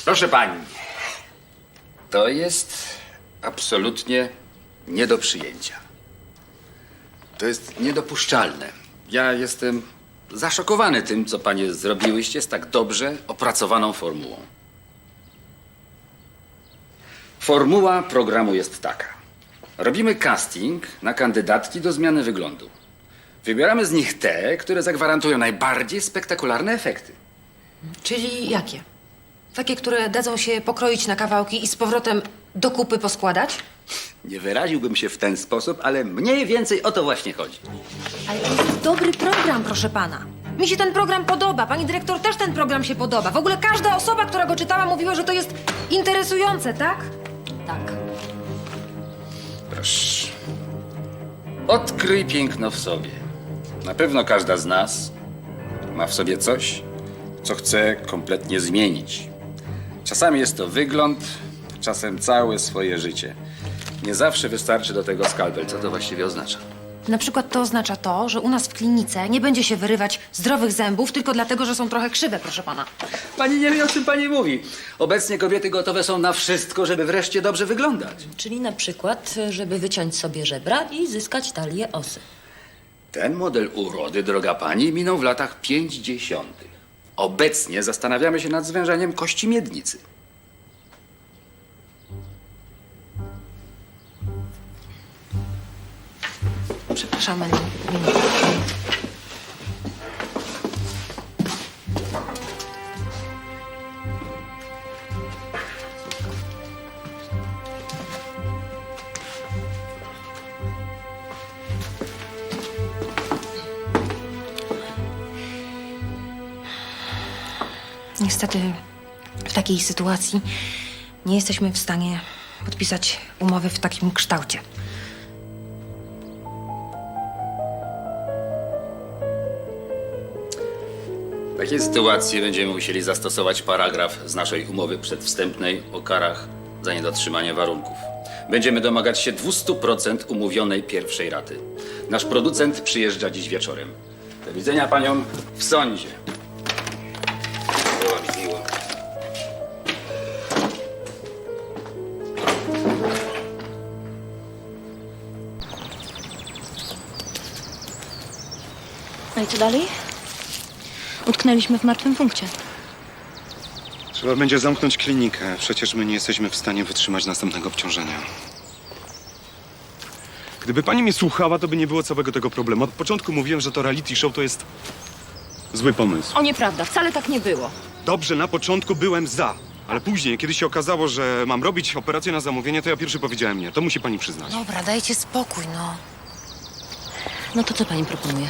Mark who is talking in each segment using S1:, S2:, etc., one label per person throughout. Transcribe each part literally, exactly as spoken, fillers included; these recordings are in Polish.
S1: Proszę pani, to jest absolutnie nie do przyjęcia. To jest niedopuszczalne. Ja jestem zaszokowany tym, co panie zrobiłyście z tak dobrze opracowaną formułą. Formuła programu jest taka. Robimy casting na kandydatki do zmiany wyglądu. Wybieramy z nich te, które zagwarantują najbardziej spektakularne efekty.
S2: Czyli jakie? Takie, które dadzą się pokroić na kawałki i z powrotem do kupy poskładać?
S1: Nie wyraziłbym się w ten sposób, ale mniej więcej o to właśnie chodzi.
S2: Ale to jest dobry program, proszę pana. Mi się ten program podoba. Pani dyrektor też ten program się podoba. W ogóle każda osoba, która go czytała, mówiła, że to jest interesujące, tak? Tak.
S1: Proszę. Odkryj piękno w sobie. Na pewno każda z nas ma w sobie coś, co chce kompletnie zmienić. Czasami jest to wygląd, czasem całe swoje życie. Nie zawsze wystarczy do tego skalpel. Co to właściwie oznacza?
S2: Na przykład to oznacza to, że u nas w klinice nie będzie się wyrywać zdrowych zębów tylko dlatego, że są trochę krzywe, proszę pana.
S1: Pani nie wie, o czym pani mówi. Obecnie kobiety gotowe są na wszystko, żeby wreszcie dobrze wyglądać.
S3: Czyli na przykład, żeby wyciąć sobie żebra i zyskać talię osy.
S1: Ten model urody, droga pani, minął w latach pięćdziesiątych. Obecnie zastanawiamy się nad zwężeniem kości miednicy.
S2: Przepraszamy na minutę. Niestety w takiej sytuacji nie jesteśmy w stanie podpisać umowy w takim kształcie.
S1: W takiej sytuacji będziemy musieli zastosować paragraf z naszej umowy przedwstępnej o karach za niedotrzymanie warunków. Będziemy domagać się dwieście procent umówionej pierwszej raty. Nasz producent przyjeżdża dziś wieczorem. Do widzenia paniom w sądzie. Było mi miło.
S3: No i co dalej? Utknęliśmy w martwym punkcie.
S4: Trzeba będzie zamknąć klinikę. Przecież my nie jesteśmy w stanie wytrzymać następnego obciążenia. Gdyby pani mnie słuchała, to by nie było całego tego problemu. Od początku mówiłem, że to reality show to jest zły pomysł.
S3: O, nieprawda, wcale tak nie było.
S4: Dobrze, na początku byłem za. Ale później, kiedy się okazało, że mam robić operację na zamówienie, to ja pierwszy powiedziałem nie. To musi pani przyznać.
S2: Dobra, dajcie spokój, no.
S3: No to co pani proponuje?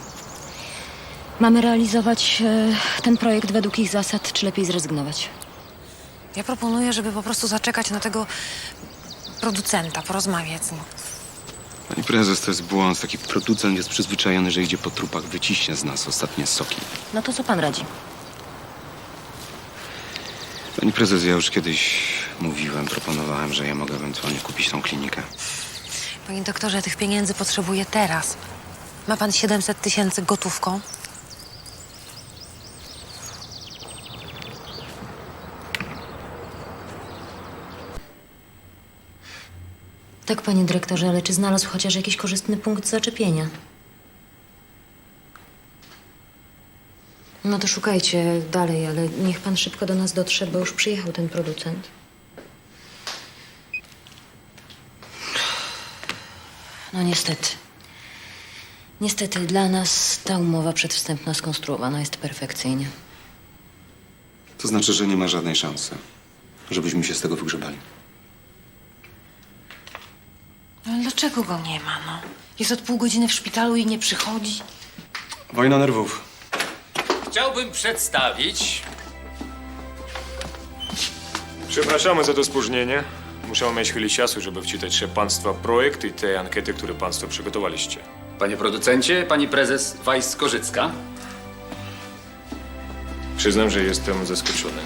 S3: Mamy realizować e, ten projekt według ich zasad, czy lepiej zrezygnować?
S2: Ja proponuję, żeby po prostu zaczekać na tego producenta, porozmawiać z nim.
S4: Pani prezes, to jest błąd. Taki producent jest przyzwyczajony, że idzie po trupach, wyciśnie z nas ostatnie soki.
S3: No to co pan radzi?
S4: Pani prezes, ja już kiedyś mówiłem, proponowałem, że ja mogę ewentualnie kupić tą klinikę.
S2: Panie doktorze, ja tych pieniędzy potrzebuję teraz. Ma pan siedemset tysięcy gotówką?
S3: Tak, panie dyrektorze, ale czy znalazł chociaż jakiś korzystny punkt zaczepienia? No to szukajcie dalej, ale niech pan szybko do nas dotrze, bo już przyjechał ten producent. No niestety. Niestety dla nas ta umowa przedwstępna skonstruowana jest perfekcyjnie.
S4: To znaczy, że nie ma żadnej szansy, żebyśmy się z tego wygrzebali.
S2: Ale dlaczego go nie ma, no? Jest od pół godziny w szpitalu i nie przychodzi.
S4: Wojna nerwów.
S1: Chciałbym przedstawić...
S5: Przepraszamy za to spóźnienie. Muszę mieć chwilę czasu, żeby wczytać się państwa projekt i te ankiety, które państwo przygotowaliście.
S1: Panie producencie, pani prezes Weiss-Korzycka.
S5: Przyznam, że jestem zaskoczony.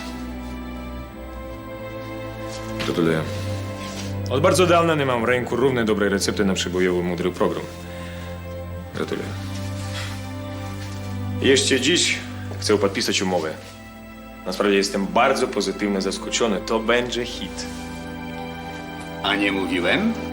S5: Gratuluję. Od bardzo dawna nie mam w ręku równie dobrej recepty na przebojowy mądry program. Gratuluję. Jeszcze dziś chcę podpisać umowę. Naprawdę jestem bardzo pozytywnie zaskoczony. To będzie hit.
S1: A nie mówiłem?